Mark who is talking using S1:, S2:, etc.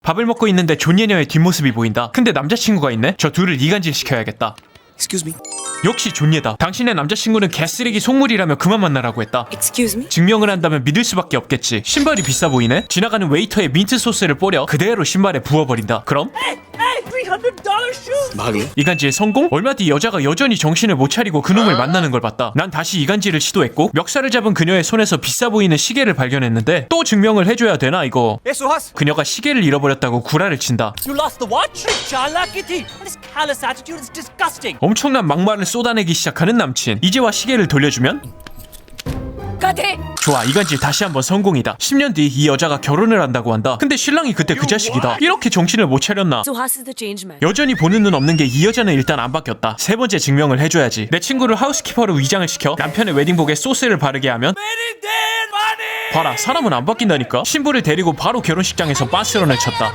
S1: 밥을 먹고 있는데 존예녀의 뒷모습이 보인다. 근데 남자친구가 있네? 저 둘을 이간질 시켜야겠다.
S2: Excuse me.
S1: 역시 존예다. 당신의 남자친구는 개쓰레기 속물이라며 그만 만나라고 했다.
S3: Excuse me?
S1: 증명을 한다면 믿을 수밖에 없겠지. 신발이 비싸 보이네? 지나가는 웨이터에 민트 소스를 뿌려 그대로 신발에 부어버린다. 그럼?
S2: Mahal.
S1: 이간질 성공? 얼마 뒤 여자가 여전히 정신을 못 차리고 그놈을 만나는 걸 봤다. 난 다시 이간질을 시도했고 멱살을 잡은 그녀의 손에서 비싸 보이는 시계를 발견했는데 또 증명을 해줘야 되나 이거.
S4: Hey Suhas,
S1: 그녀가 시계를 잃어버렸다고 구라를 친다.
S4: you lost the watch? Charlakity. This callous attitude is disgusting.
S1: 엄청난 막말을 쏟아내기 시작하는 남친. 이제와 시계를 돌려주면? 좋아, 이간질 다시 한번 성공이다. 10년 뒤 이 여자가 결혼을 한다고 한다. 근데 신랑이 그때 그 자식이다. 이렇게 정신을 못 차렸나?
S3: Suhas is the change man.
S1: 여전히 보는 눈 없는 게 이 여자는 일단 안 바뀌었다. 세 번째 증명을 해줘야지. 내 친구를 하우스키퍼로 위장을 시켜 남편의 웨딩복에 소스를 바르게 하면 봐라, 사람은 안 바뀐다니까. 신부를 데리고 바로 결혼식장에서 빤스런을 쳤다.